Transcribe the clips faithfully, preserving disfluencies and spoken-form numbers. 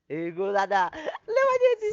ए गुरु दादा लय मजा येते.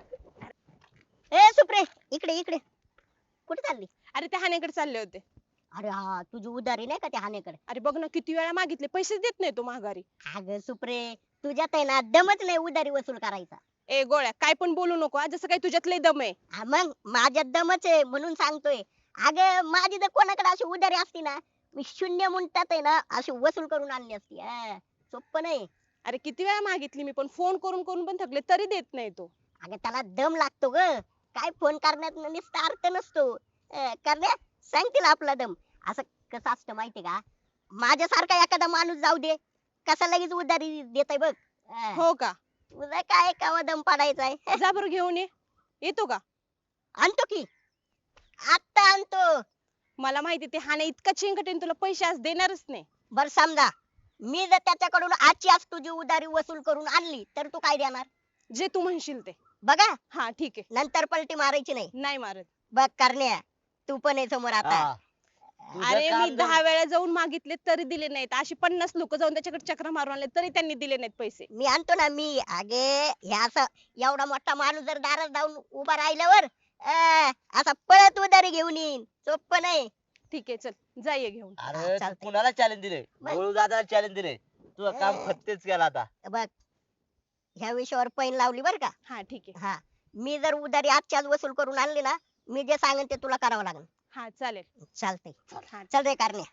ए सुप्रे, इकडे इकडे. कुठे चालली? अरे त्या हाण्याकडे चालले होते. अरे हा, तुझी उधारी नाही का त्या हानेकडे? अरे बघ ना किती वेळा मागितले पैसेच देत नाही तो माघारी. अगं सुप्रे, तुझ्यात आहे ना दमच नाही उधारी वसूल करायचा. ए गोळ्या काय पण बोलू नको हा, जसं काही तुझ्यात लय दम आहे. हा मग माझ्यात दमच आहे म्हणून सांगतोय. अगं माझी जर कोणाकडे अशी उधारी असती ना, मी शून्य मिनिटात आहे ना अशी वसूल करून आणली असती. हा, सोपं नाही. अरे किती वेळा मागितली मी पण फोन करून करून पण थकले तरी देत नाही तो. अगं त्याला दम लागतो ग. काय फोन करण्यात नुसता अर्थ नसतो. अं, करण्या सांग तिला आपला दम. असं कसं असतं माहितीये का, माझ्यासारखा एखादा माणूस जाऊ दे, कसा लगेच उधारी देताय बघ. अं, हो का? तुझा काय कावा दम पाडायचाय. जा बरं घेऊन ये. येतो का? आणतो की, आत्ता आणतो. मला माहिती ते हाणे इतका चिंकट आहे ना, तुला पैसे आज देणारच नाही. बर समजा मी जर त्याच्याकडून आजची आज तुझी उधारी वसूल करून आणली तर तू काय देणार? जे तू म्हणशील ते. बघा हा ठीक आहे. नंतर पलटी मारायची नाही. नाही मारत. बघ करण्या, तू पण आहे समोर आता. हा. तुझं अरे काम मी जर- दहा वेळा जाऊन मागितले तरी दिले नाहीत. अशी पन्नास लोक जाऊन त्याच्याकडे चक्र मारून आले तरी त्यांनी दिले नाहीत पैसे. मी आणतो ना मी. अगे हे असं एवढा मोठा माणूस जर दारात जाऊन उभा राहिल्यावर अं, असा पळत उधारी घेऊन येईन. सोपं नाही. ठीक आहे चल जा ये घेऊन. अरे हा, तू चालतंय. कुणाला चॅलेंज दिले? बस. गुरु दादाला चॅलेंज दिले. तुझं काम ए. फत्तेच केला आता. बघ ह्या विषयावर पैन लावली बर का. हा ठीक आहे. हा, मी जर उधारी आजची आज वसूल करून आणली ना, मी जे सांगेन ते तुला करावं लागेल. हा चालेल. चालतंय. हा चल रे करण्या.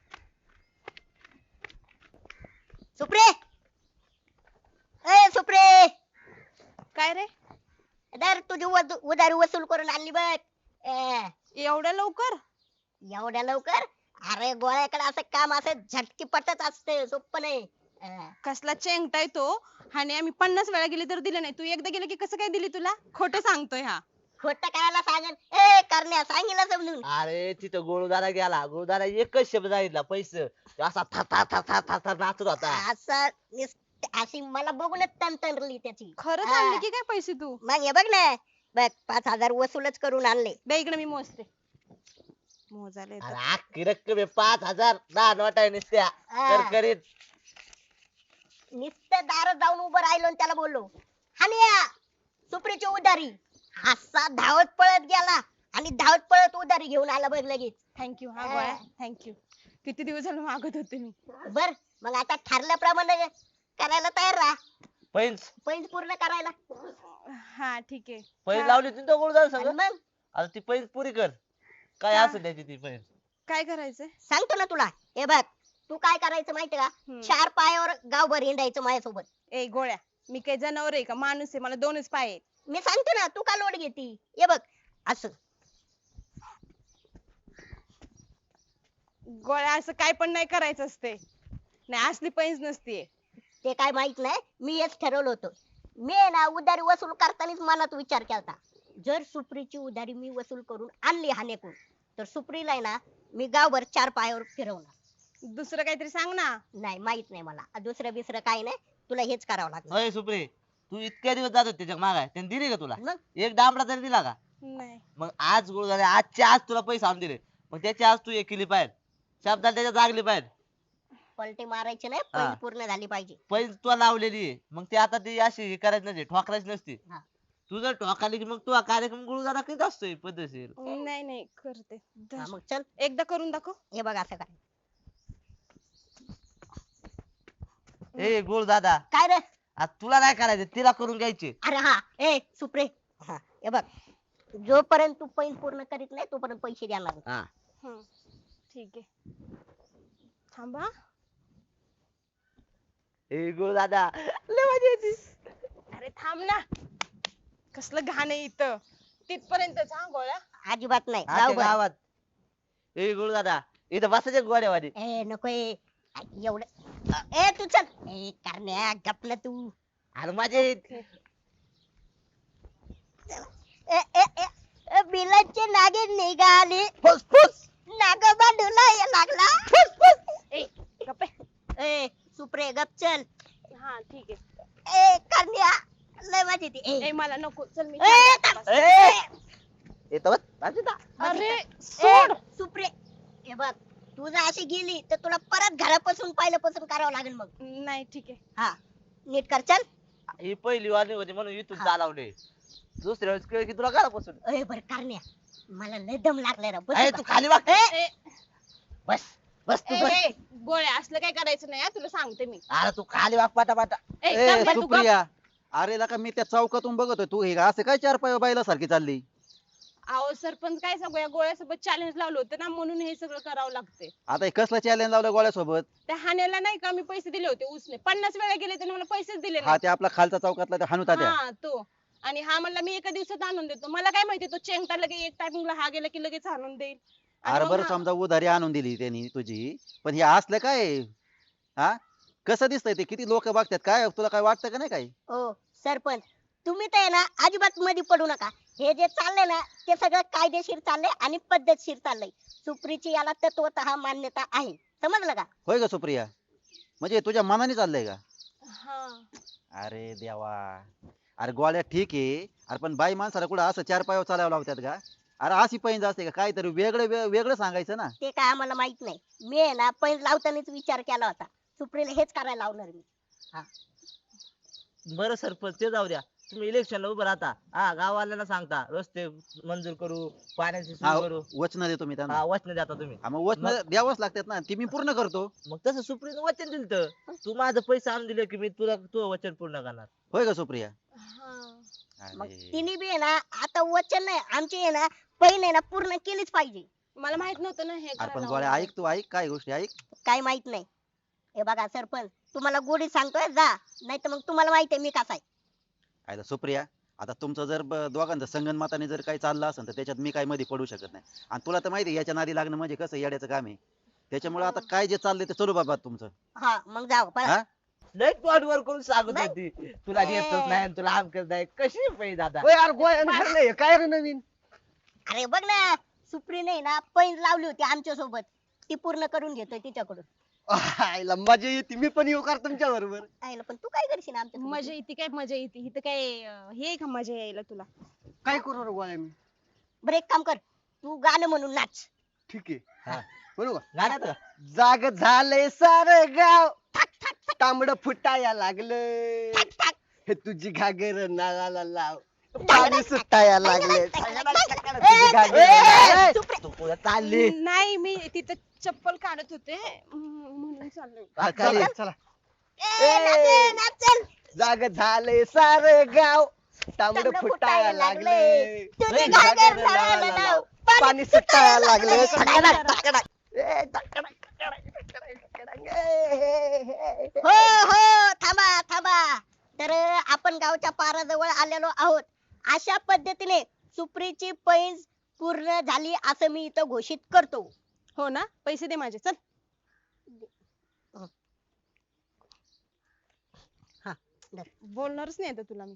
सुप्रे, ए सुप्रे, काय रे दर तुझी वद- उधारी वसूल करून आणली बघ. ए, एवढ्या लवकर? एवढ्या लवकर? अरे गोळ्याकडे असं काम असं झटकीपटच असतं. सोपं नाही. अं, कसला चेंगटाय तो. आणि आम्ही पन्नास वेळा गेली तर दिले नाही. तू एकदा गेले की कसं काय दिली तुला? खोटं सांगतोय हा. खोटं करायला सांगेन. ए करण्या सांगितलं समजून. अरे तिथं गुरु दादा गेला. गुरु दादा एकच शब्द सांगितला पैसे. तो असा था था था था था था नाचत होता. असं नुसतं- अशी मला बघूनच तंतरली त्याची. खरंच हा. आणले की काय पैसे तू? मग हे बघ ना, बघ पाच हजार वसूलच करून आणले. दे इकडे मी मोजते. मोजायला अरे येतं. अख्खी रक्कम आहे पाच हजार. दहा नोट आहे नुसत्या हा. करकरीत. नुसतं दारात जाऊन उभं राहिलो आणि त्याला बोललो, हानिया सुप्रीची उधारी. असा धावत पळत गेला आणि धावत पळत उधारी घेऊन आला बघ लगेच. थँक्यू हा हा. गोळ्या थँक्यू. किती दिवस झाले मागत होते मी. बर मग आता ठरल्याप्रमाणे करायला तयार राहा. पैंज पैज पूर्ण करायला. हा ठीक आहे. पैंज हा. लावली होती ना तो गुरु दादा आणि सगळं. मग आता ती पैंज पुरी कर. काय हा. असेल त्याची ती पैंज. काय करायचंय? सांगतो ना तुला. हे बघ तू काय करायचं माहिती का, हम्म. चार पायावर गावभर हिंडायचं माझ्यासोबत. ए गोळ्या मी काही जनावर आहे का? माणूस आहे. मला दोनच पाय आहेत. मी सांगतो ना, तू का लोट घेती. हे बघ असं. गोळ्या असं काय पण नाही करायचं असते. नाही असली पैंज नसतीये. ते काय माहित नाही, मी हेच ठरवलं होतं. मी आहे ना उधारी वसूल करतानाच मनात विचार केलता, जर सुप्रीची उधारी मी वसूल करून आणली हानेकून, तर सुप्रीला आहे ना मी गावभर चार पायावर फिरवणार. दुसरं काहीतरी सांग ना. नाही माहित नाही मला दुसरं बिसरं काही नाही. तुला हेच करावं लागेल. अय सुप्रे तू इतक्या दिवस जात होती त्याच्या मागाय त्याने दिली का तुला? मग एक डांबडा तरी दिला का? नाही. मग आज गुरु दादा आजच्या आज तुला पैसे आणून दिले. मग त्याची आज तू एक केली पाहिजे. शब्दाला त्याच्या जागली पाहिजे. पलटी मारायची नाही, हा. पैज पूर्ण झाली पाहिजे. पैसे तुला लावलेली आहे. मग ती आता ती अशी हे करायची नसते ठोकरायची नसती. हा. तू जर ठोकाली की मग तू हा कार्यक्रम गुरु दादा करीत असतोय पद्धतशीर. नाही नाही करते. हा, मग चल एकदा करून दाखव. हे बघ असं काय. ए गुरु दादा काय रे? आज तुला नाही करायचे तिला करून घ्यायचे. अरे हा ए सुप्रे, हा हे बघ जोपर्यंत तू पैज पूर्ण करीत नाही तोपर्यंत पैसे देणार नाही. हा हम्म. ठीक आहे. थांबा. ए गुरु दादा लय मजा येते. अरे थांब ना. कसलं घाण आहे इथं. तिथपर्यंत हा गोळ्या. अजिबात नाही. आजच्या गावभर. गावात. ए गुरु दादा इथं बसायचे गोड्यावादी. ए नको ए. एवढं ए तू चल. ए करण्या गप ना तू. अरे माझे ए ए ए ए, बिलाचे नागे निघाले. फुस फुस नागोबा डुलाय लागला. फुस, फुस. ए गप्पे. ए सुप्रे गप चल. हा ठीक आहे. ए करण्या लय मजा येते. ए ए मला नको. चल मी ए, चालते थांब. आता. ए येतो बस. अरे ए सोड. सुप्रे हे बघ तू जर अशी गेली तर तुला परत घरापासून पहिल्यापासून करावं लागेल. मग नाही ठीक आहे. हा नीट कर चल. ही पहिली वारणी होती म्हणून इथून हा. चालवले. दुसऱ्या वेळेस कळ की तुला घरापासून. अय बर कारण्या मला लय दम लागलाय राव ए, बसू तू का? खाली वाग. ए, बस बस तू ए, बस. ए, गोळ्या असलं काय करायचं नाही हा, तुला सांगते मी. अरे तू खाली वाग पाटा पाटा. ए, ए गप रे, तू गप. सुप्रिया, अरे लका मी त्या चौकातून बघतोय तू हे असं काय चार पाय बायला सारखी चालली. अहो सरपंच काय सांगू या गोळ्यासोबत चॅलेंज लावलं होतं ना म्हणून हे सगळं करावं लागते. आता हे कसलं चॅलेंज लावलं गोळ्यासोबत. त्या हाण्याला नाही का मी पैसे दिले होते उसने पन्नास वेळा गेले त्याने मला पैसेच दिले हा नाही. ते आपला खालचा चौकातला ते हानुता त्या. हा तो. आणि हा म्हणला मी एका दिवसात आणून देतो. मला काय माहिती तो चेंगटा लगे एक टायमिंगला हा गेला की लगेच आणून देईल. आणि अरे मग बरं हा- समजा उधारी आणून दिली त्यांनी तुझी, पण हे असलं काय हा कसं दिसतंय ते, किती लोक बघतात काय, तुला काय वाटतं का नाही काही. ओ सरपंच तुम्ही तर आहे ना अजिबात मध्ये पडू नका. हे जे चाललंय ना ते सगळं कायदेशीर चाललंय आणि पद्धतशीर चाललंय. सुप्रीची याला तत्वतः मान्यता आहे, समजलं का? होय का सुप्रिया, म्हणजे तुझ्या मनाने चाललंय का. हा. अरे देवा, अरे गोळ्या ठीक आहे, अरे पण बाई माणसाला कुठं असं चार पायावर चालावं लावतात का. अरे अशी पैंज असते का, काहीतरी वेगळं वे- वेगळं सांगायचं ना. ते काय आम्हाला माहित नाही. मी आहे ना पैज लावतानाच विचार केला होता सुप्रीला हेच करायला लावणार मी. बरं सरपंच ते जाऊ द्या. तुम्ही इलेक्शनला उभं राहता. हा गाववाल्यांना सांगता रस्ते मंजूर करू, पाण्याची हा सोय करू. वचन देतो मी त्यांना. हा वचन देता तुम्ही. हा, मग वचन द्यावंच लागतात ना, ती मी पूर्ण करतो. मग तसं सुप्रीम वचन दिलं तू माझं पैसे आणून दिले की मी तुला तू वचन पूर्ण करणार. होय का सुप्रिया. हा. मग अरे. तिने बी आहे ना आता वचन नाही आमची आहे ना पैन आहे ना पूर्ण केलीच पाहिजे. मला माहित नव्हतं ना हे अरे करायला पण गोळ्या लावलं. ऐक, तू ऐक काय गोष्टी ऐक. काय माहित नाही. हे बघा सरपंच तुम्हाला गोडी सांगतोय जा, नाही तर मग तुम्हाला माहिती आहे मी कसा आहे. आयला सुप्रिया, आता तुमचं जर ब- दोघांचं संगनमताने जर काही चाललं असेल तर त्याच्यात मी काही मध्ये पडू शकत नाही. आणि तुला तर माहिती आहे याच्या नादी लागणं म्हणजे कसं येड्याचं काम आहे. त्याच्यामुळे आता काय जे चाललंय ते चलू बाबा तुमचं. हा मग जाऊ पळा. हा? लय तोंड वर करून सांगत नाही. होती तुला येतच नाही आणि तुला आमकच नाही. कशी पाहिजे दादा. ओय यार गोळ्यानं ठरलंय काय रे नवीन. अरे बघ ना सुप्रीने ना पैन लावली होती आमच्या सोबत, ती पूर्ण करून घेतोय तिच्याकडून. आईला मजा येते, मी पण येऊ कर तुमच्या बरोबर. आईला पण तू काय करशील आमच्या सोबत? मजा येते काय मजा येते इथं काय अं, हे आहे का मजा यायला तुला. काय करू रे गोळ्या मी. बरं एक काम कर तू गाणं म्हणून नाच. ठीक हा. आहे बरोबर. गाण्यात का? जाग झालंय सार गाव, तांबड फुटाया लागलं, टाक, टाक. हे तुझी घागर नाळाला लाव, पाणी सुटाया लागले, तुझी घागर ए, नाळाला- सुप्रे. तू पुढे चालली. नाही मी तिथं चप्पल काढत होते म्हणून म्हणून चाललोय. हा, खाली. चला चला. ए, नाच, नाच, चल. जाग झालंय सार गाव, तांबड तांबडं फुटाया लागले, तुझी तुझी घागर घागर नाळाला नाळाला लाव, लाव, पाणी सुटाया लागले. ए, टाकडाक, टाकडाक. ए, टकडा, टकडा, टकडा, टकडा. ए, हे, हे, हे. हो हो थांबा थांबा. तर आपण गावच्या पाराजवळ आलेलो आहोत. अशा पद्धतीने सुप्रीची पैंज पूर्ण झाली असं मी इथं घोषित करतो. हो ना पैसे दे माझे चल. हा, धर. बोलणारच नाही आता तुला मी.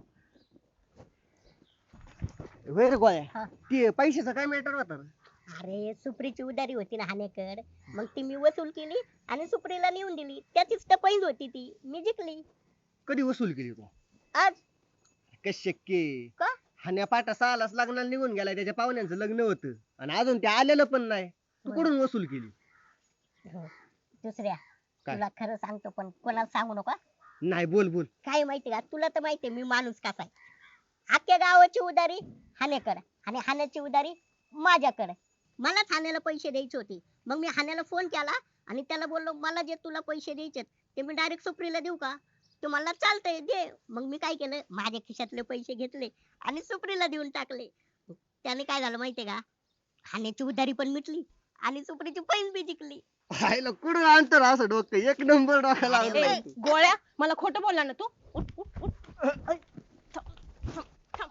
होय रे गोळ्या, हा. ते पैशाचा काय मॅटर होता रे? अरे सुप्रीची उधारी होती ना हानेकड, मग ती मी वसूल केली आणि सुप्रीला नेऊन दिली. त्याचीच तर पैंज होती ती, मी जिंकली कधी वसूल केली तू? आज. कस शक्य आहे? का? हाण्या पाटा सहालाच लग्नाला निघून गेलाय, त्याच्या पाहुण्यांचं लग्न होतं आणि अजून ते आलेलं पण नाही. तू बरं. कुठून वसूल केली? दुसऱ्या काय? तुला खरं सांगतो पण कोणाला सांगू नका. नाही बोल बोल. काय माहिती का तुला तर माहितीये मी माणूस कसा आहे. अख्ख्या गावाची उधारी हानेकडे आणि हाण्याची उधारी माझ्याकडे. मलाच हाण्याला पैसे द्यायचे होते. मग मी हाण्याला फोन केला आणि त्याला बोललो मला जे तुला पैसे द्यायचे ते मी डायरेक्ट सुप्रीला देऊ का. तो मला चालतंय दे. मग मी काय केलं माझ्या खिशातले पैसे घेतले आणि सुप्रीला देऊन टाकले. त्याने काय झालं माहितीये का हाण्याची उधारी पण मिटली आणि सुप्रीची पैसे बी जिंकली. आईला कुठून आणतो रे असं डोकं, एक नंबर डोक्या ए, लावला. गोळ्या मला खोटं बोलला ना तू. उठ, उठ, उठ. थांब, थांब, थांब.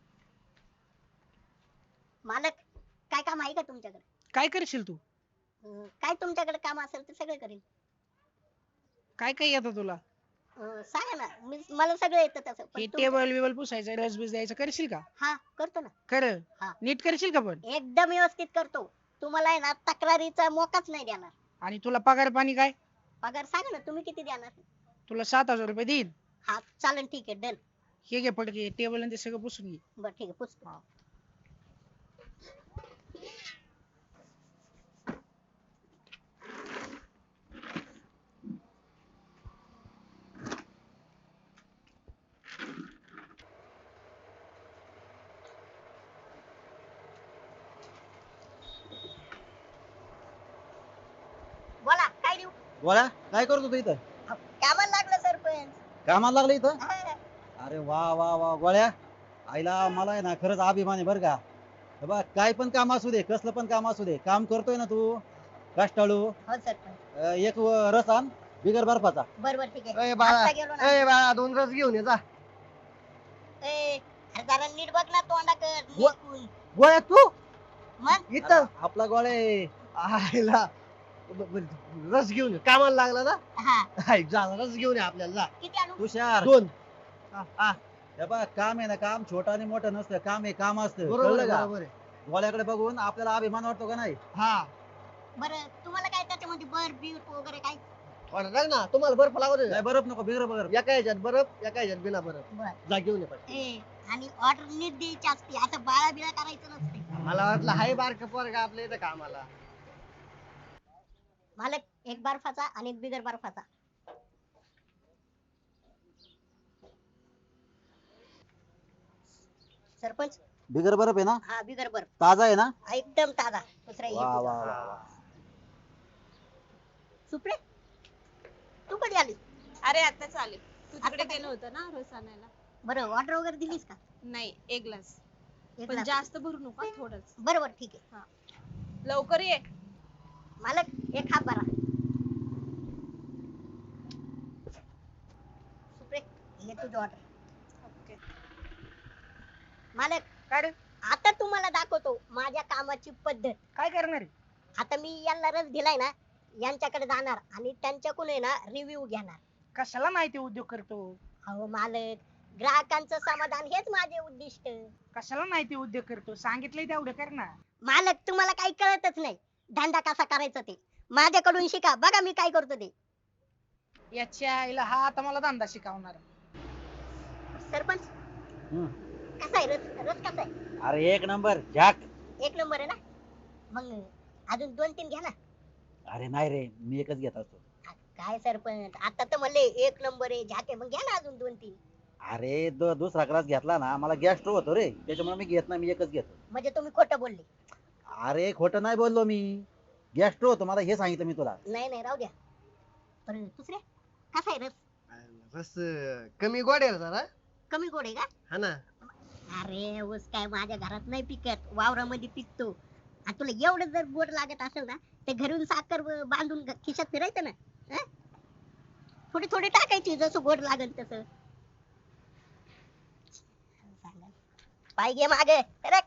मालक काय काम आहे का तुमच्याकडे? काय करशील तू? अं, काय तुमच्याकडे काम असेल ते सगळं करेन. काय काय येतं तुला? अं, सांगा ना मी मला सगळं येतं तसं पण हे तुमचं- टेबल बिबल पुसायचं रसबीस द्यायचं करशील का? हा करतो ना. खरं हा. नीट करशील का पण? एकदम व्यवस्थित करतो. तुम्हाला आहे ना तक्रारीचा मोकाच नाही देणार. आणि तुला पगार पाणी काय? पगार सांगा ना तुम्ही किती देणार? तुला सात हजार रुपये देईन. हा चालेल ठीक आहे डन. हे घे पटके टेबल आणि ते सगळं पुसून घे. बरं ठीक आहे पुस्तक. गोळ्या काय करतो तू इथं? कामाला लागलं सरपंच. कामाला लागलं इथं? हा. अरे वा वा वा गोळ्या, आईला मला आहे ना खरंच अभिमान आहे बरं का. हे बघ काय पण काम असू दे, कसलं पण काम असू दे, काम करतोय ना तू कष्टाळू. हो सरपंच. अं, एक व- रस आण बिगर बर्फाचा. बरोबर ठीक आहे. ए बाळा आता गेलो ना. ए बाळा दोन रस घेऊन ये जा. ए, अरे जरा नीट बघ ना तोंडाकर व- नीटकून. गोळ्या तू मग इथं अरे, आपला गोळ्या आहे. आयला ब- ब- रस घेऊन ये कामाला लागला ना. हा हाय, जा रस घेऊन ये आपल्याला जा. किती आणू? तुषार दोन हा, हा, हे बघ काम आहे ना, काम छोटं आणि मोठं नसतं, काम आहे काम असतं, बरोबर कळलं आहे, का? बरोबर आहे. गोळ्याकडे बघून आपल्याला अभिमान वाटतो का नाही? हा बरं तुम्हाला काय त्याच्यामध्ये बर बीर वगैरे काय? ऑर्डर टाक ना, तुम्हाला बर्फ लागत नाही बरफ नको, बिगर बरफ. एका ह्याच्यात बर्फ एका ह्याच्यात बिना बर्फ. बर. जा घेऊन ये पण. ए आणि ऑर्डर नीट द्यायची असते, असं बाळा बिळा करायचं नसते. मला वाटलं हाय बारक पोरगा आपल्या इथं कामाला. मालक एक बर्फाचा आणि एक बिगर बर्फाचा. सरपंच बिगर बरफ आहे ना? हा बिगर बर्फ ताजा आहे ना? एकदम ताजा. दुसरा वा वा वा वा. सुप्रे तू कधी आली? अरे आता चालेल. तू तिकडे आता गेलं होतं ना रस आणायला? बरं ऑर्डर वगैरे दिलीस का? नाही, एक ग्लास. एक पण लाख. जास्त भरू नका, थोडंच. बरोबर ठीक आहे. लवकर ये. मालक एक हात भरा. सुप्रे हे तुझं ऑर्डर. ओके. मालक काय रे आता तुम्हाला दाखवतो माझ्या कामाची पद्धत. काय करणार आहे? आता मी यांना रस दिलाय ना, यांच्याकडे जाणार आणि त्यांच्याकडून आहे ना रिव्ह्यू घेणार. कशाला माहिती उद्योग करतो? अहो मालक ग्राहकांचं समाधान हेच माझे उद्दिष्ट. कशाला माहिती उद्योग करतो? सांगितलंय तेवढं कर ना. मालक तुम्हाला काही कळतच नाही धंदा कसा करायचा ते. माझ्याकडून शिका, बघा मी काय करतो ते. याच्या आईला हा आता मला धंदा शिकवणार. सरपंच हम्म. कसा आहे रस? रस कसा आहे? अरे एक नंबर झाक. एक नंबर आहे ना? मग अजून दोन तीन घ्या ना. अरे नाही रे, मी एकच घेत असतो. काय सरपंच आता तर म्हणले एक नंबर आहे झाके, मग घ्या ना अजून दोन तीन. अरे दु- दुसरा ग्लास घेतला ना, मला गॅस्ट्रो होतो रे, त्याच्यामुळे मी घेत नाही, मी एकच घेतो. म्हणजे तुम्ही खोटं बोलले. अरे खोटं नाही बोललो मी, गॅस्ट्रो होतो मला, हे सांगितलं मी तुला. नाही नाही राहू द्या. पण दुसरे कसा आहे रस? रस अं, कमी गोड आहे रे जरा. कमी गोड आहे का? हा ना. अरे ऊस काय माझ्या घरात नाही पिकत, वावरामध्ये पिकतो. आणि तुला एवढं जर गोड लागत असेल ना, ते घरून साखर ब- बांधून घ- खिशात फिरायचं ना. हं? थोडी थोडी टाकायची जसं गोड लागेल तसं. पाय घे मागे सरक.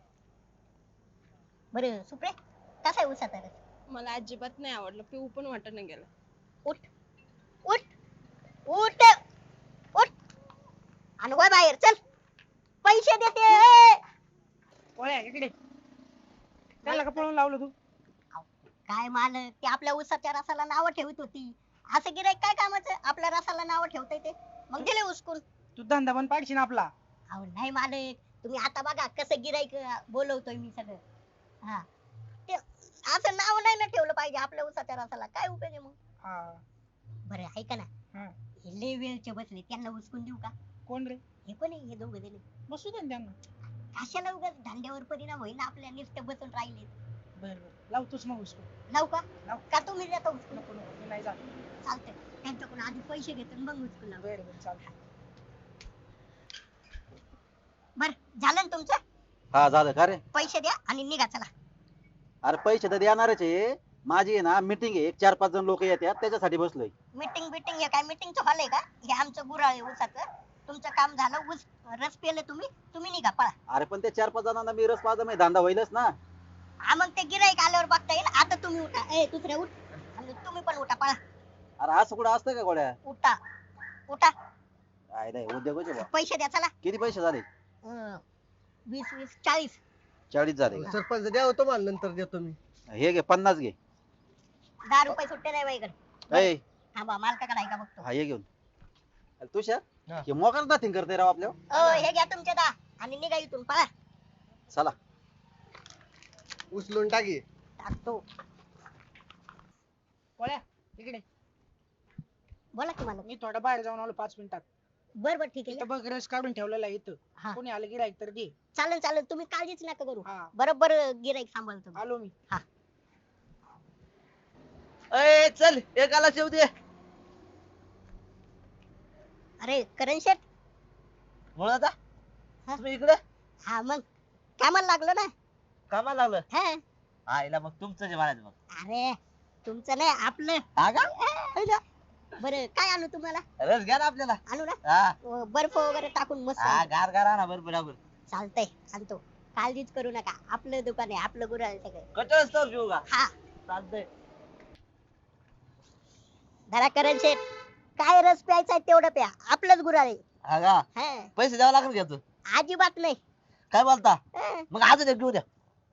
बरं सुप्रे कसा आहे ऊसाचा रस? मला अजिबात नाही आवडलं, पिऊ पण वाटत नाही गेलं. उठ उठ उठ उठ आणि वळ बाहेर चल. पैसे देते. ओळ्या इकडे. त्याला का पळून लावलं तू? काय मालक ते आपल्या ऊसाच्या रसाला नाव ठेवत होती. असं गिराईक काय कामाचं आपल्या रसाला नाव ठेवता येते. मग दिले उचकून. तू धंदा पण पाडशील आपला. अहो नाही मालक तुम्ही आता बघा कसं गिराईक बोलवतोय मी सगळं. हा ते असं नाव नाही ना ठेवलं पाहिजे आपल्या ऊसाच्या रसाला, काय उपयोग आहे मग. हा. बरं ऐका ना, हा. हे लय वेळचे बसले त्यांना उचकून देऊ का? कोण रे? हे कोण आहे हे दोघं दिले? बसू दे ना त्यांना. कशाला उगाच धंद्यावर परिणाम होईल ना, आपल्या नुसतं बसून राहिले. बर बर लावतोच मग उसको. लावू का? लाव. का तुम्ही देता उचकून? नको नको मी नाही जात. चालतंय त्यांच्याकडून आधी पैसे घेतो आणि मग उचकून लावू. बर बर चालतं. बरं झालं ना तुमचं? हा झालं का रे? पैसे द्या आणि निघा चला. अरे पैसे तर देणारच आहे, माझी आहे ना मीटिंग आहे, एक चार पाच जण लोक येतात त्याच्यासाठी बसलोय. मीटिंग बिटिंग हे काय मीटिंगचं हॉल आहे का? हे आमचं गुराळ आहे ऊसाचं. तुमचं काम झालं, ऊस रस पेले तुम्ही तुम्ही निघा पळा. अरे पण त्या चार पाच जणांना मी रस पाजा मी धंदा होईलच ना. हा मग ते गिराईक आल्यावर बघता येईल. आता तुम्ही उठा. ए दुसरे उठ आणि तुम्ही पण उठा पळा. अरे असं कुठं असतं का गोळ्या? उठा उठा. काय नाही उद्योगच आहे बा. पैसे द्या चला. किती पैसे झाले? अं, वीस वीस चाळीस. चाळीस झाले का? सरपंच द्या होतो मला नंतर देतो मी. हे घे पन्नास घे. दहा रुपये सुट्टे नाही बाईकडे. ए, हा बा मालकाकडे आहे का बघतो. हा हे घेऊन. अरे तुषार हा. हे मोकार नाथिंग करते राव आपल्या. अ हे घ्या तुमचे दहा आणि निघा इथून पळा. चला. उचलून टाकी. टाकतो. ओळ्या इकडे. बोला की मला. मी थोडा बाहेर जाऊन आलो पाच मिनिटात. बर बर ठीक आहे इथं बघ रस काढून ठेवलेला आहे इथं. हा कोणी आलं गिराईक तर दे. चालेल चालेल तुम्ही काळजीच नका करू. हा बरोबर गिराईक सांभाळतो. आलो मी. अय चल एकाला शेव दे. अरे करण शेठ. म्हणून आता हा? तुम्ही इकडे हा मग कामाला लागलो ना. कामाला लागलं. हा आईला मग तुमचं जे म्हणायचं मग. अरे तुमचं नाही आपलं. हा का? आईला. बरं काय आणू तुम्हाला? रस घ्या ना आपल्याला. आणू ना हा अं, बर्फ वगैरे टाकून मस्त हा आणतो. गार गार आणा बरोबर बरोबर. चालतंय आणतो. काळजीच करू नका आपलं दुकान आहे आपलं गुरु आहे सगळं. कटळच तर घेऊ का? हा चालतंय. धरा करण शेठ. काय रस प्यायचा तेवढं प्या आपलंच गुरु आहे. हा का? हा पैसे द्यावं लागेल घ्यायचं. अजिबात नाही. काय बोलता? हं. मग अजून एक घेऊ द्या.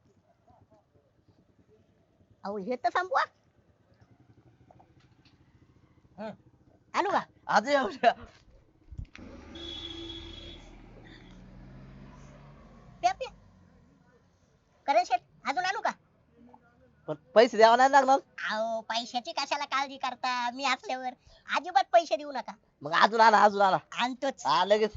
अहो हे तर संपवा. हं. आणू का? अजून एक घेऊ द्या. प्या प्या. करण शेठ अजून आणू का? पण पैसे द्यावं नाही लागणार. अहो पैशाची कशाला काळजी करता मी असल्यावर. अजिबात पैसे देऊ नका. मग अजून आणा अजून आणा. आणतोच. हा लगेच.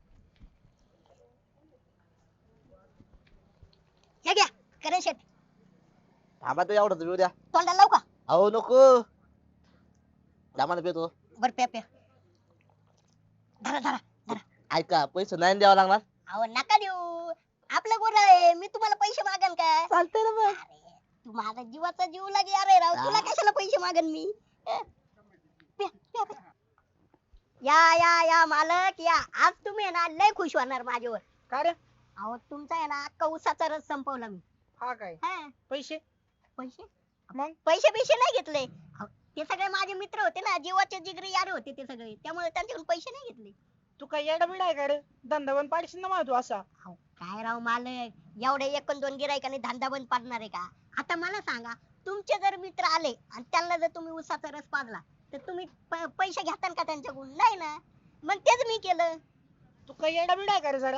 हे घ्या करण शेठ. थांबा तो एवढं घेऊ द्या. तोंडाला लावू का? अहो नको. दामाने पेतो. बर प्या प्या. धरा धरा. ऐका पैसे नाही द्यावं लागणार. अहो नका देऊ. आपलं गुरु आहे मी तुम्हाला पैसे मागन का? चालतंय ना मग. अरे तू माझा जीवाचा जीव लागे अरे राव तुला कशाला पैसे मागन मी? अं? प्या, प्या, प्या. या या या मालक या आज तुम्ही आहे ना लय खुश होणार माझ्यावर. काय रे? अहो तुमचा आहे ना अख्खा उसाचा रस संपवला मी. हा काय हा पैसे? पैसे मग पैसे पैसे नाही घेतले. अहो, ते सगळे माझे मित्र होते ना जीवाचे जिगरी यार होते ते सगळे त्यामुळे त्यांच्याकडून पैसे नाही घेतले. तू काय येडा बिडा आहे का रे? धंदा बंद पाडशील ना मला तू असा. अहो, काय राव मालक एवढे एक दोन गिरायकाने धंदा बंद पाडणार आहे का? आता मला सांगा तुमचे जर मित्र आले आणि त्यांना जर तुम्ही उसाचा रस पाजला तर तुम्ही प- पैसे घेताल का त्यांच्याकडून? नाही ना. मग तेच मी केलं. तू काय येडा बिडा आहे का रे जरा?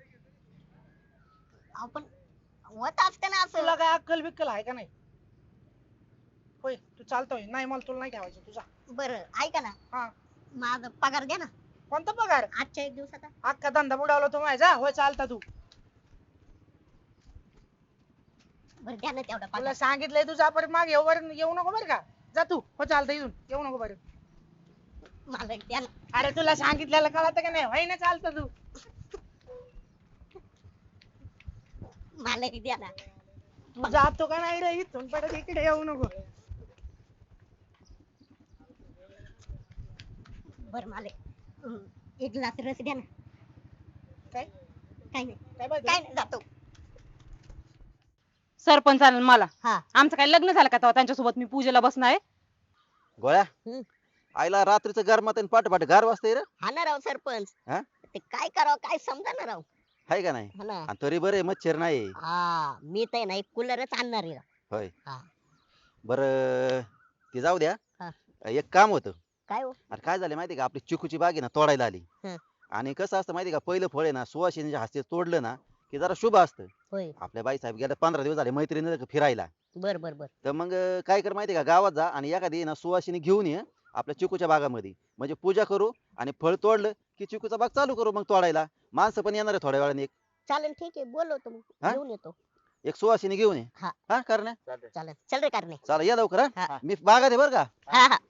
आपण होत असतं ना तुला असं. काय अक्कल बिक्कल आहे का नाही? होय तू चालतोय नाही मला तुला नाही ठेवायचं तुझा. बरं ऐका ना हा माझा पगार द्या ना कोणता पगार? आजच्या एक दिवसाचा. अख्खा धंदा बुडावला तू माझा. होय चालता तू. बरं द्या ना तेवढा तुला पगार. सांगितलंय तुझा परत मागे येऊ बरं येऊ नको बरं का? जा तू. हो चालतं इथून येऊ नको बरं. मालक द्या ना. अरे तुला सांगितलेलं कळत का नाही? होय ना चालतं तू. मालक द्या ना. तू जातो का नाही रे इथून परत इकडे येऊ नको. बरं मालक हं, एक ग्लास रस द्या ना. काय काही नाही काय पाहिजे? काय नाही जातो. सरपंच आला मला. हा आमचं काय लग्न झालं का तेव्हा त्यांच्यासोबत मी पूजेला बसणार आहे. गोळ्या हम्म. आईला रात्रीचं गरमात आणि पाठ पाठ गार वाजतंय रे. हा ना राव सरपंच. हा? ते काय करावं काय समजा ना राव. हाय का नाही? हा ना. आणि तरी बरे मच्छर नाही. हा मी तर नाही कूलरच आणणार आहे राव. होय हा बर ते जाऊ द्या. हा. एक काम होतं. काय हो? अरे काय झालं माहिती का आपली चिकूची बाग आहे ना तोडायला आली. हं. आणि कसं असतं माहिती का पहिलं फळ आहे ना सुवासिनीच्या हस्ते तोडलं ना की जरा शुभ असतं. होय आपल्या बाई साहेब गेल्या पंधरा दिवस झाले मैत्रिणी फिरायला. बर बर बर. तर मग अं, काय कर माहिती का गावात जा आणि एखादी ना सुवासिनी घेऊन ये आपल्या चिकूच्या बागामध्ये म्हणजे पूजा करू आणि फळ तोडलं की चिकूचा बाग चालू करू मग तोडायला. माणसं पण येणार आहे थोड्या वेळाने. एक चालेल ठीक आहे बोलवतो मग हा? घेऊन येतो. एक सुवासिनी घेऊन ये. हा. हा करण्या चालतंय. चालेल चल रे करणे. चला या लवकर. हा हा. मी बागात आहे बरं का. हा हा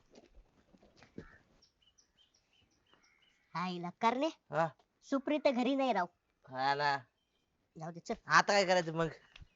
आईला करणे हा. सुप्रीत घरी नाही राव. हा ना. जाऊ दे चल. आता काय करायचं मग?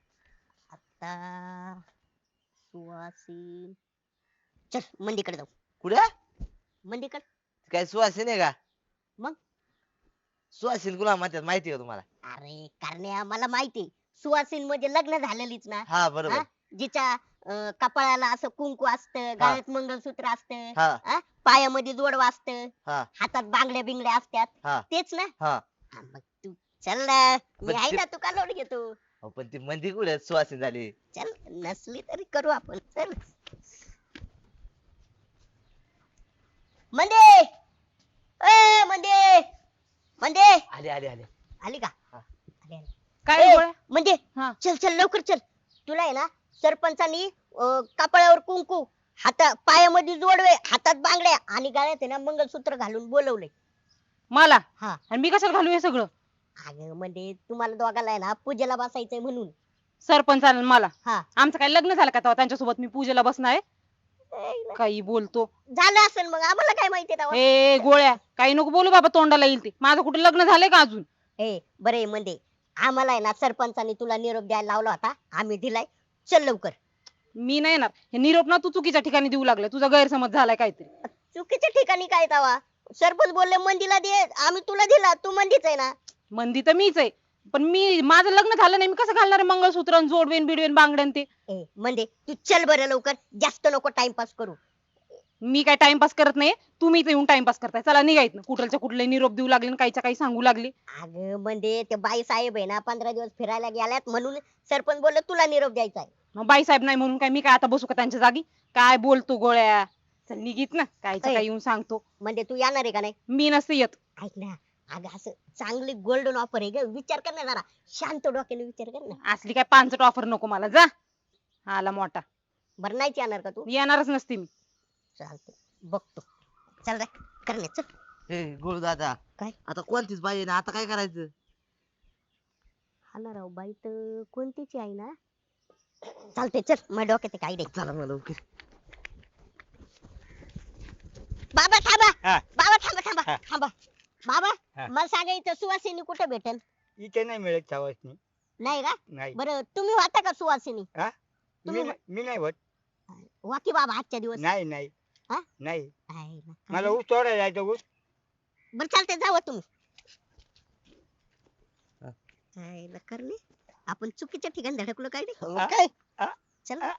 आता सुवासीन चल मंदीकडे जाऊ. कुठे? मंदीकडे. काय सुवासीन आहे का? मग? सुवासीन कुणा म्हणतात माहिती आहे का तुम्हाला? अरे करण्या मला माहिती सुवासीन म्हणजे लग्न झालेलीच ना. हा बरोबर. हा? जिच्या अं, कपाळाला असं कुंकू असतं गळ्यात मंगळसूत्र असतं हा हा? पायामध्ये जोडवा असतं हा हातात बांगड्या बिंगड्या असतात हा तेच ना. हा. हा, मग तू चल ना मी पण आहे ते- ना तू का लोड घेतो. अहो, पण ती मंदी कुठे सुवासीन झाली? चल नसली तरी करू आपण चल. मंदे ए मंदे मंदे आले आले आले. आली का? हा. आली, आली. काय ए, गोळ्या? म्हणजे हा. चल चल लवकर चल. तुला आहे ना सरपंचानी अं, कपाळावर कुंकू हाता पायामध्ये जोडवे हातात बांगड्या आणि गळ्यात आहे ना मंगळसूत्र घालून बोलवले. मला हा. आणि मी कशाला घालू हे सगळं? अगं म्हणजे तुम्हाला दोघाला आहे ना पूजेला बसायचंय म्हणून. सरपंच आला मला. हा आमचं काय लग्न झालं का तेव्हा त्यांच्यासोबत मी पूजेला बसणार आहे. काही बोलतो. झालं असेल मग आम्हाला काय माहिती तेव्हा. ए गोळ्या काही नको बोलू बाबा, तोंडाला येईल ते. माझं कुठे लग्न झालंय का अजून? ए बरे म्हणजे आम्हाला आहे ना सरपंचाने तुला निरोप द्यायला लावला होता, आम्ही दिलाय. चल लवकर. मी नाही येणार. हे निरोप ना तू चुकीच्या ठिकाणी देऊ लागला. तुझा गैरसमज झालाय काहीतरी. चुकीच्या ठिकाणी काय तवा? सरपंच बोलले मंदीला दे, आम्ही तुला दिला, तू मंदीच आहे ना. मंदी तर मीच आहे, पण मी माझं लग्न झालं नाही, मी कसं घालणार आहे मंगळसूत्र आणि जोडवेन बिडवेन बांगड्यान ते? ए म्हणजे तू चल बरं लवकर, जास्त नको टाइमपास करू. मी काय टाइमपास करत नाही, तुम्ही इथे येऊन टाइमपास करताय. चला निघायत ना. कुठलच्या कुठले निरोप देऊ लागले आणि काहीच्या काही सांगू लागले. अगं म्हणजे ते बाई साहेब आहे ना पंधरा दिवस फिरायला गेल्यात म्हणून सरपंच बोलले तुला निरोप द्यायचा आहे. मग बाईसाहेब नाही म्हणून काय मी काय आता बसू का त्यांच्या जागी? काय बोलतो गोळ्या? चल निघित ना, कायच्या ऐ. काय येऊन सांगतो. म्हणजे तू येणार आहे का नाही? मी नसते येत. ऐक ना, अगं असं चांगली गोल्डन ऑफर आहे ग, विचार कर ना जरा, शांत डोक्याने विचार कर ना. असली काय पानसट ऑफर नको मला. जा आला मोठा. बरं नाहीच येणार का तू? येणारच नसते मी. चालते बघतो. चल रे करणे चल. हे गुरु दादा, काय? आता कोणतीच बाई आहे ना, आता काय करायचं? हा ना राव, बाई तर कोणतीची आहे ना. चालते चल, माझ्या डोक्यात काय रे. चला मला लवकर. बाबा थांबा. हा. बाबा थांबा थांबा हा. थांबा. बाबा हा. मला सांगा इथं सुवासिनी कुठे भेटेल? इथे नाही मिळत सवासनी. नाही का? नाही. बरं तुम्ही होता का सुवासिनी? हा? तुम्ही मी नाही- मी नाही होत. वा की बाबा आजच्या दिवस. नाही नाही हा? नाही. आहे ना. मला ऊस तोडायला जायचं ऊस. बरं चालते जावं तुम्ही. आहे ना करणे, आपण चुकीच्या ठिकाणी धडकलो काय रे. मग काय? चल हा.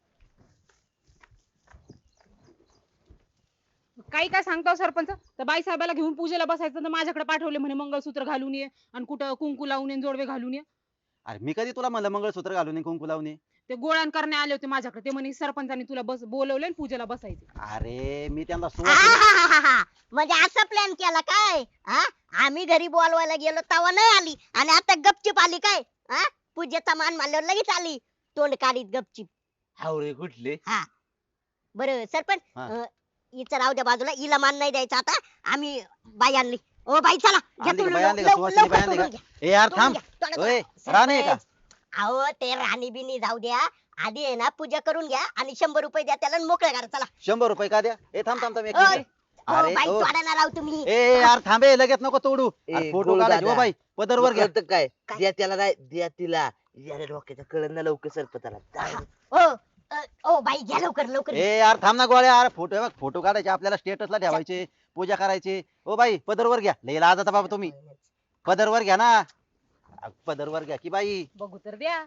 काही काय सांगतो सरपंच? तर बाई साहेबाला घेऊन पूजेला बसायचं तर माझ्याकडे पाठवले म्हणे मंगळसूत्र घालून ये आणि कुठं कुंकू लावून ये, जोडवे घालून ये. अरे मी कधी तुला म्हणलं मंगळसूत्र घालून ये, कुंकू लावून ये? ते गोळ्यान करणे आले होते माझ्याकडे. ते म्हणे सरपंचानी तुला बस बोलवलंय आणि पूजेला बसायचं. अरे मी त्यांना सुवासिनी आहाहाहा. म्हणजे असा प्लॅन केला काय? हा आम्ही घरी बोलवायला गेलो तेव्हा नाही आली आणि आता गपचिप आली काय? हा पूजेचा मान मानल्यावर लगेच आली तोंड काढीत गपचिप. हावरे कुठले? बरं सरपंच हा. अं, हिचं राहू द्या बाजूला, हिला मान नाही द्यायचा आता. आम्ही बाई आणली. ओ बाई चला घ्या आणली का? तुम्ही बाई आणली का? लव- सुवासिनी लवकर बाई आणली का? तोडून घ्या. ए यार तोडून थांब. घ्या. तोडा- ओय तोडा. राणे का? सरपंच, अहो ते राणी बिनी जाऊ द्या, आधी आहे ना पूजा करून घ्या आणि शंभर रुपये द्या त्याला आणि मोकळं करा. चला. शंभर रुपये का द्या? ए थांब थांब थांब एक ओय. मिनिट. ओ अरे बाई ओ. तोडा ना राव तुम्ही. ए ए, यार थांबे लगेच नको तोडू. ए, अरे, फोटो गोड काढायचे दादा. हो बाई पदरवर घ्या. कळतं काय? काय? द्या त्याला नाही, द्या तिला. याला डोक्याच्या कळण ना लवकर सरपंचाला. जा. ओ अ, ओ बाई घ्या लवकर लवकर. ए यार थांब ना गोळ्या. यार फोटो बघ, फोटो काढायचे आपल्याला, स्टेटसला ठेवायचे, पूजा करायची. ओ बाई पदरवर घ्या. लई लाज आता बाबा तुम्ही. पदरवर घ्या ना. अ, पदरवर घ्या की बाई. बघू तर द्या.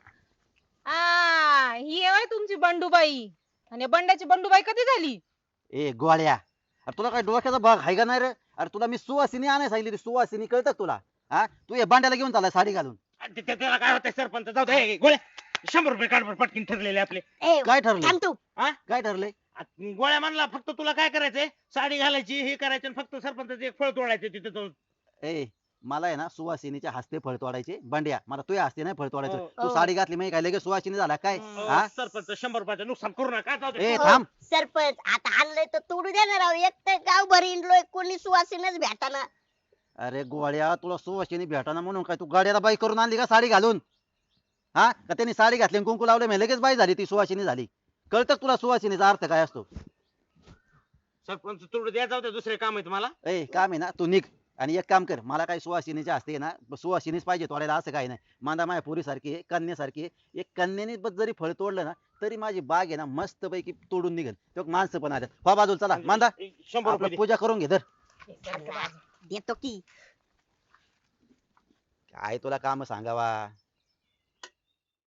आ ही आहे होय तुमची बंडूबाई. आणि या बंड्याची बंडूबाई कधी झाली? ए गोळ्या, अरे तुला काय डोक्याचा भाग आहे का नाही रे? अरे तुला मी सुवासिनी आणायला सांगितली होती. सुवासिनी कळतं का तुला? हा तू हे बांड्याला घेऊन चालला साडी घालून. ते- ते- त्याला काय होतंय सरपंच? जाऊ दे. ए, गोळ्या शंभर रुपये काढ बरं, पटकीन ठरलेले आपले. ए काय ठरलं? थांब तू. काय ठरलंय? आ, गोळ्या म्हणला फक्त तुला काय करायचंय? साडी घालायची, हे करायचं आणि फक्त सरपंचाचं एक फळ तोडायचं तिथे जाऊन. ए मला आहे ना सुवासिनीच्या हस्ते फळ तोडायचे. बांड्या मला तुझ्या हस्ते नाही फळ तोडायचं. हो. तू हो. साडी घातली म्हणजे काय लगेच सुवासिनी झाला काय? हा अं, सरपंच शंभर रुपयाचं नुकसान करू नका. जाऊ दे. ए हो, थांब. सरपंच आता आणलंय तर तोडू द्या ना राव. एक तर गाव भरी इंडलोय, कोणी सुवासीनच भेटाना. अरे गोळ्या तुला सुवासिनी भेटाना म्हणून काय तू गाड्याला बाई करून आणली का साडी घालून? हा का त्यांनी साडी घातली आणि कुंकू लावले म्हणजे लगेच बाई झाली, ती सुवासिनी झाली? कळतं का तुला सुवासिनीचा अर्थ काय असतो? सरपंच तोडू द्या. जाऊ दे, दुसरे काम आहे तुम्हाला. ए काम आहे ना तू निघ. आणि एक काम कर, मला काही सुवासिनीच्या हस्ते आहे ना सुवासिनीच पाहिजे तोडायला असं काही नाही. मांदा माया पोरी सारखी आहे, कन्यासारखी आहे. एक कन्याने बस जरी फळ तोडलं ना तरी माझी बाग आहे ना मस्त पैकी तोडून निघेल. तो माणसं पण आल्यात. हो बाजूला चला मांदा. एक शंभर रुपये आपलं दे. पूजा करून घे धर. देतो की. काय तुला काम सांगावा.